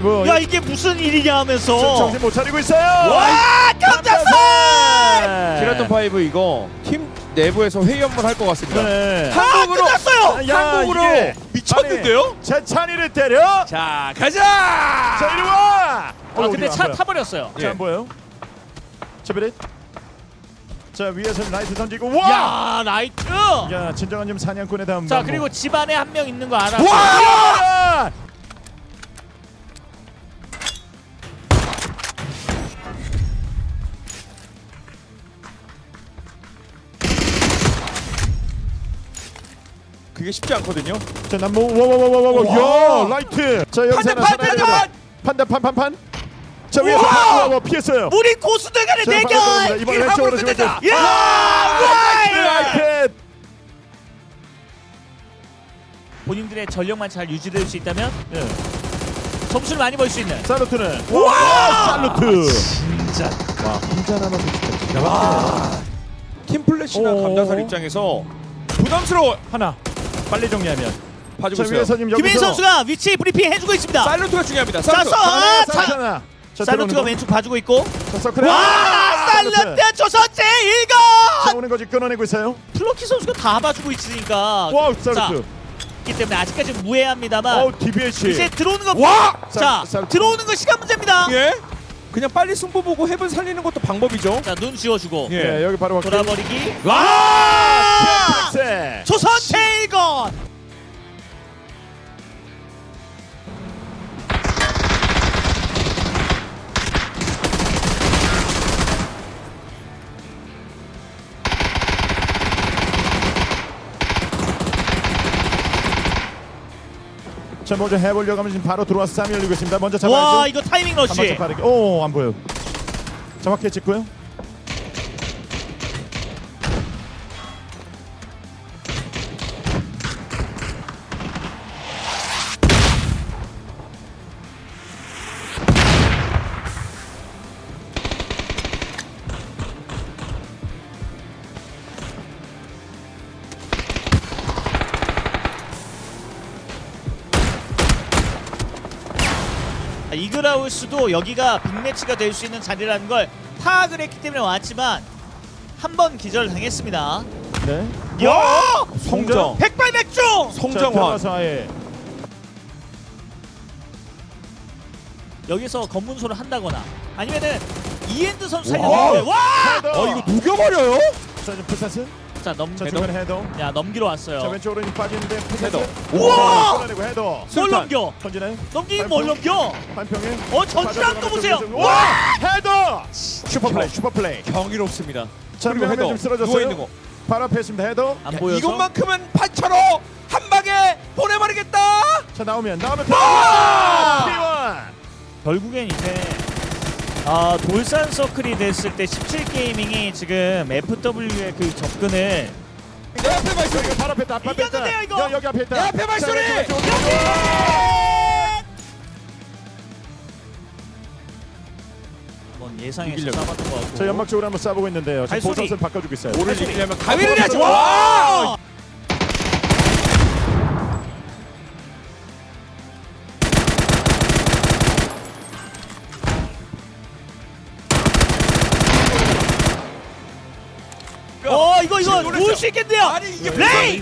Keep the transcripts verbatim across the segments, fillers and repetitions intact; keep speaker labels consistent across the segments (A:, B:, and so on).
A: 파이브.
B: 야 이게 무슨 일이냐 하면서
A: 정신 못 차리고 있어요.
B: 와 경자선!
C: 키라톤 파이브 이거 팀 내부에서 회의 한번 할 것 같습니다.
A: 네.
C: 한국으로
B: 아, 끝났어요!
A: 야,
C: 한국으로
A: 이게
C: 미쳤는데요?
A: 제 찬이를 때려.
C: 자 가자.
A: 자 이리 와.
B: 아 근데 차 타버렸어요.
A: 자, 안 보여요? 제비릿. 자 위에서 라이트 던지고 와.
B: 야 라이트!
A: 야 진정한 좀 사냥꾼의 다음.
B: 자
A: 방법.
B: 그리고 집안에 한 명 있는 거 알아.
A: 와!
C: 그게 쉽지 않거든요.
A: 자 남모 와와와와와 야 라이트. 자 여기서
C: 판단,
A: 하나
C: 판단,
A: 살아야 돼요. 판단 판판판. 자 위에서 와, 와, 피했어요.
B: 우리 고수들 간의
A: 자,
B: 대결!
A: 방금 이번 왼쪽으로 지금
C: 끝내자.
A: 좀-
B: 야! 라이트!
A: 라이트.
B: 본인들의 전력만 잘 유지될 수 있다면
A: 예.
B: 점수를 많이 벌 수 있는.
A: 살루트는 와 살루트.
B: 진짜.
A: 와 혼자 남아서 진짜. 와
C: 팀 플래시나
A: 오.
C: 감자살 입장에서 부담스러워.
A: 하나 빨리 정리하면.
C: 봐주고
A: 자
C: 있어요.
A: 위에서님 여기서.
B: 김민 선수가 위치 브리핑 해주고 있습니다.
C: 사일런트가 중요합니다.
B: 자,
C: 사일런트.
B: 써! 아,
A: 자,
B: 자,
A: 자, 자,
B: 살루트가
A: 들어오는
B: 왼쪽 봐주고 있고.
A: 거. 자 서클에.
B: 와! 살루트 조선제
A: 자
B: 일건!
A: 오는 거지 끊어내고 있어요.
B: 플로키 선수가 다 봐주고 있으니까.
A: 와우
B: 자,
A: 살루트.
B: 있기 때문에 아직까지는 무해합니다만.
A: 어우 디비에이치.
B: 이제 들어오는 거.
C: 와!
B: 자,
A: 살- 살-
B: 들어오는 거 시간 문제입니다.
C: 예. 그냥 빨리 승부 보고 헤븐 살리는 것도 방법이죠.
B: 자, 눈 지워주고.
C: 예.
A: 예 여기 바로 확인.
B: 돌아버리기.
A: 와! 세.
B: 조선제 일건!
A: 자 먼저 해보려고 하면 지금 바로 들어와서 쌈이 열리고 있습니다. 먼저 잡아야죠.
B: 와, 이거 타이밍
A: 한 번째
B: 러쉬.
A: 빠르게. 오안 보여. 정확히 찍고요.
B: 이글하우스도 여기가 빅매치가 될 수 있는 자리라는 걸 파악을 했기 때문에 왔지만 한 번 기절당했습니다.
A: 네.
B: 야!
C: 성정.
B: 백발백중!
A: 자,
C: 성정환.
A: 들어가서 아예.
B: 여기서 검문소를 한다거나 아니면은 이엔드 선수
C: 와!
B: 살려주는데 와!
A: 헤더.
C: 어 이거 녹여버려요?
A: 자 지금 푸사스.
B: 자 넘,
A: 자 중간 헤더.
B: 야 넘기러
A: 자
B: 왔어요.
A: 왼쪽으로 좀 빠지는데 푸사스.
C: 헤더.
B: 우와!
A: 끊어내고 헤더.
B: 뭘
C: 술탄.
B: 넘겨?
A: 던지나요?
B: 넘기긴 뭘 넘겨?
A: 한평에.
B: 어 전지랑 또 보세요.
A: 와! 헤더! 슈퍼플레이 슈퍼플레이.
C: 경이롭습니다.
A: 자
C: 그리고
A: 그리고
C: 헤더.
A: 좀 쓰러졌어요.
C: 누워 있는 거.
A: 바로 앞에 있습니다. 헤더.
B: 안
C: 야,
B: 보여서.
C: 이것만큼은 판처로 한 방에 보내버리겠다.
A: 자 나오면 나오면
C: 와!
A: 피원.
B: 결국엔 이제 아 돌산 서클이 됐을 때 십칠 게이밍이 지금 에프더블유의 그 접근을
C: 내 앞에 발소리.
A: 여기 바로 앞에 있다. 앞에 있다.
B: 이겼는데요, 이거?
A: 여, 여기 앞에 있다.
C: 내 앞에 발소리!
A: 자, 왼쪽, 왼쪽, 왼쪽.
B: 한번 예상해서
C: 이기려고.
B: 잡았던 것 같고.
A: 자 연막 쪽으로 한번 쏴보고 있는데요. 지금
B: 발소리.
A: 보선선 바꿔주고 있어요.
C: 오를
B: 발소리.
C: 이기려면 가위를 해야지.
B: 와!
C: 와!
B: 어 이거 이거
C: 지금 놀랬죠?
B: 올 수 있겠네요.
C: 아니 이게
B: 레이!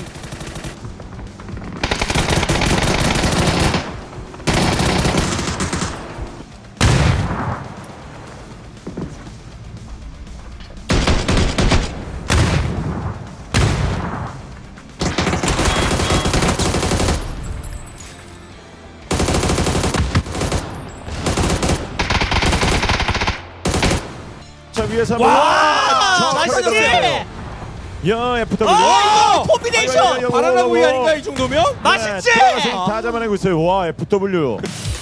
A: 자 위에서
B: 와!
A: 한번 저
B: 맛있지?
A: 걸렸어요. 야 에프더블유.
B: 어 이거 콤비네이션!
A: 아이고, 아이고,
C: 바나나
A: 아이고,
C: 우유
A: 아이고.
C: 아닌가 이 정도면?
B: 맛있지?
A: 네, 다 잡아내고 있어요. 와 에프더블유.